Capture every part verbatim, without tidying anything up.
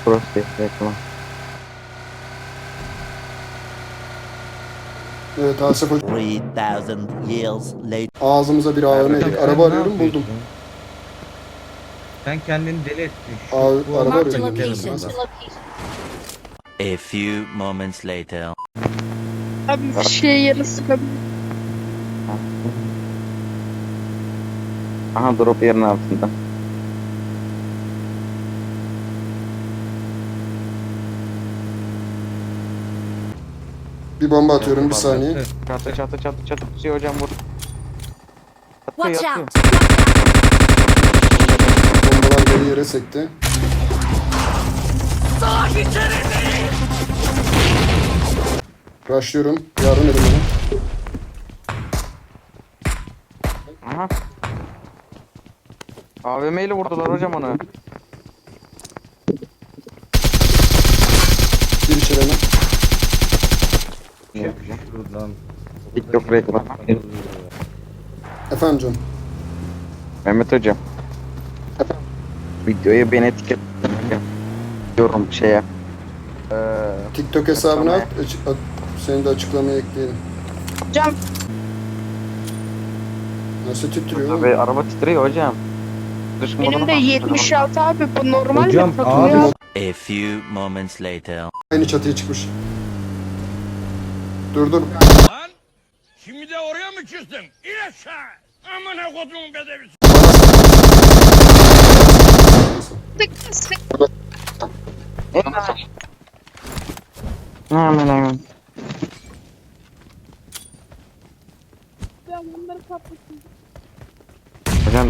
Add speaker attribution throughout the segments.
Speaker 1: Prostate reklam.
Speaker 2: Evet Asaf hocam.
Speaker 3: Three thousand years later.
Speaker 2: Ağzımıza bir A V M yedik.
Speaker 4: Sen
Speaker 2: Araba
Speaker 4: ne
Speaker 2: arıyorum buldum.
Speaker 4: yapıyorsun? Sen kendini deli ettin. Şu-
Speaker 2: Abi,
Speaker 4: bu
Speaker 2: araba
Speaker 4: arada
Speaker 2: arıyorum.
Speaker 4: gidelim
Speaker 5: location.
Speaker 4: buradan.
Speaker 3: A few moments later.
Speaker 6: Abi bir şey yarı sıkabilir.
Speaker 1: Aha drop yerin altında.
Speaker 2: Bir bomba atıyorum bir saniye.
Speaker 1: Çatı çatı çatı çatı tutuyor hocam vur. Atıyor,
Speaker 5: Watch
Speaker 1: atıyor.
Speaker 5: out!
Speaker 2: Bombalar beni yere sekti. Rushlıyorum. Yardım edin bana.
Speaker 1: Aha. A V M ile vurdular hocam onu.
Speaker 2: Bir içeri hemen.
Speaker 4: Şuradan.
Speaker 1: TikTok reklamı.
Speaker 2: Efendim canım.
Speaker 1: Mehmet hocam. Videoya beni etiket yorum şeye. Ee,
Speaker 2: TikTok hesabını at.
Speaker 1: Açıklamaya.
Speaker 2: açık- at- Seni de açıklamaya ekleyelim.
Speaker 6: Hocam
Speaker 2: Nasıl titriyor oğlum?
Speaker 1: Tabii araba titriyor hocam. Dış
Speaker 6: benim
Speaker 1: modunu
Speaker 6: de
Speaker 1: bastırdım.
Speaker 6: yetmiş altı abi bu normal
Speaker 4: Hocam,
Speaker 6: mi? Takılıyor
Speaker 4: abi-
Speaker 6: abi.
Speaker 3: A few moments later.
Speaker 2: Aynı çatıya çıkmış. Dur dur.
Speaker 7: Lan şimdi de oraya mı çıktın? İn aşağı. Amına kodumun bedevisi.
Speaker 6: Sık sık.
Speaker 1: Hemen hemen.
Speaker 6: Ben bunları patlatayım.
Speaker 1: Hocam.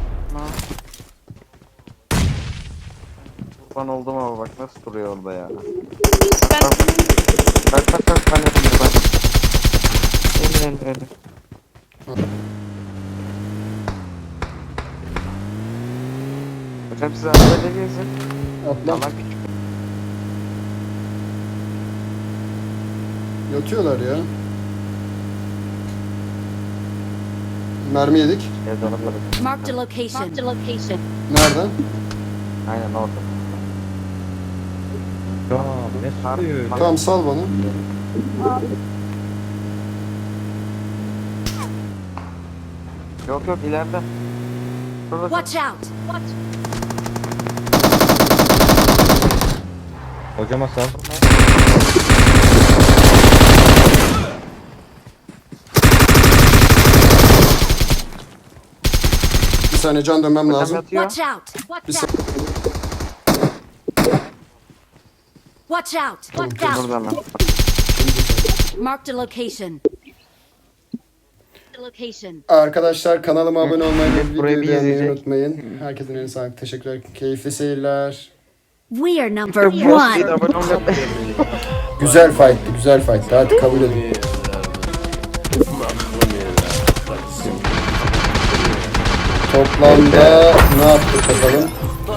Speaker 1: Kurban oldum ama bak nasıl duruyor orada ya.
Speaker 6: Ben
Speaker 1: Bak bak bak ben yapayım bak. Öyle öyle öyle. Hocam siz arabayla gezin.
Speaker 2: Atla.
Speaker 1: Alan küçük.
Speaker 2: Yatıyorlar ya. Mermi yedik.
Speaker 1: Evde arabaları.
Speaker 5: Marked a location. Marked a location.
Speaker 2: Nereden?
Speaker 1: Aynen orada.
Speaker 4: Ya ne sıkıyor öyle?
Speaker 2: Tamam sal bana.
Speaker 1: Yok yok ileride. Şurada.
Speaker 5: Watch out! Watch.
Speaker 4: Hocama sal.
Speaker 2: Bir saniye can dönmem
Speaker 1: Hocam
Speaker 2: lazım.
Speaker 1: yatıyor.
Speaker 5: Watch out! Watch
Speaker 2: Bir
Speaker 5: out! Watch out! Watch out!
Speaker 1: Burada hemen.
Speaker 5: Marked a location. Location.
Speaker 2: Arkadaşlar kanalıma abone olmayı ve
Speaker 1: Burayı
Speaker 2: videoyu
Speaker 1: bir
Speaker 2: beğenmeyi
Speaker 1: izleyecek.
Speaker 2: unutmayın. Herkesin eline sağlık. Teşekkürler. Keyifli seyirler.
Speaker 5: We are number
Speaker 1: Postayı da
Speaker 5: one.
Speaker 1: abone olmayı.
Speaker 2: Güzel fight'tı. Güzel fight'tı. Hadi kabul edin. Toplamda ne yaptık bakalım?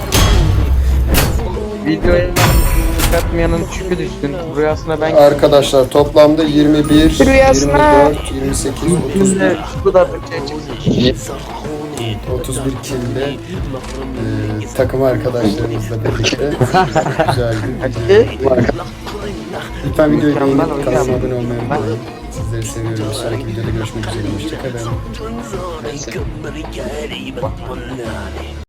Speaker 1: Videoya katmayanın çükü düşsün. Rüyasına ben
Speaker 2: Arkadaşlar toplamda yirmi bir,
Speaker 6: Rüyasına-
Speaker 2: yirmi dört, yirmi sekiz, otuz bir,
Speaker 1: bu kadar bir şey çıksın.
Speaker 2: otuz bir kilde e, takım arkadaşlarımızla birlikte güzel bir Lütfen videoyu beğenip
Speaker 1: Mükemmel
Speaker 2: kanalıma
Speaker 1: hocam.
Speaker 2: abone olmayı unutmayın. Sizleri seviyorum. Bir sonraki videoda görüşmek üzere. Hoşçakalın.